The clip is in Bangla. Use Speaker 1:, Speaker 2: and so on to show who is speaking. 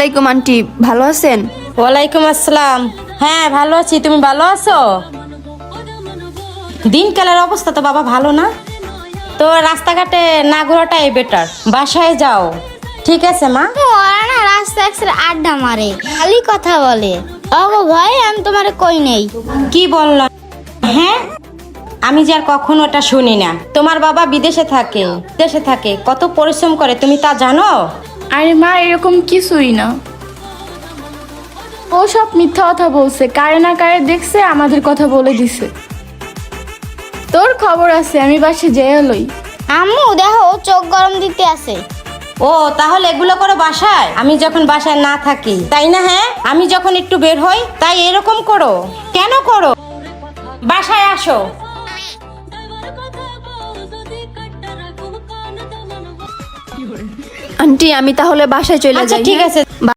Speaker 1: আলাইকুম আন্টি, ভালো আছেন?
Speaker 2: ওয়ালাইকুম আসসালাম। হ্যাঁ ভালো আছি, তুমি ভালো আছো? দিনকালের অবস্থা তো বাবা ভালো না, তো রাস্তাঘাটে না ঘোরাটাই বেটার, বাসায় যাও। ঠিক আছে মা।
Speaker 3: ওরা না রাস্তা একসাথে আড্ডা মারে, খালি কথা বলে। ওগো ভাই, আমি তোমারে কই নেই।
Speaker 2: কি বললাম? হ্যাঁ, আমি যে আর কখনো ওটা শুনি না। তোমার বাবা বিদেশে থাকে, দেশে থাকে, কত পরিশ্রম করে তুমি তা জানো?
Speaker 4: আরে মা, এরকম কিছুই না। ও সব মিথ্যা কথা বলছে, কারে না কারে দেখছে, আমাদের কথা বলে দিছে। তোর খবর আছে, আমি বাসে যেয়ে লই।
Speaker 3: আম্মু দেখো, ও চোখ গরম দিতে আছে।
Speaker 2: ও তাহলে এগুলো করো বাসায়, আমি যখন বাসায় না থাকি, তাই না? হ্যাঁ, আমি যখন একটু বের হই তাই এরকম করো। কেন করো? বাসায় আসো।
Speaker 1: আন্টি, আমি তাহলে বাসায় চলে
Speaker 2: আচ্ছা
Speaker 1: যাই।
Speaker 2: ঠিক
Speaker 1: হ্যাঁ?
Speaker 2: আছে।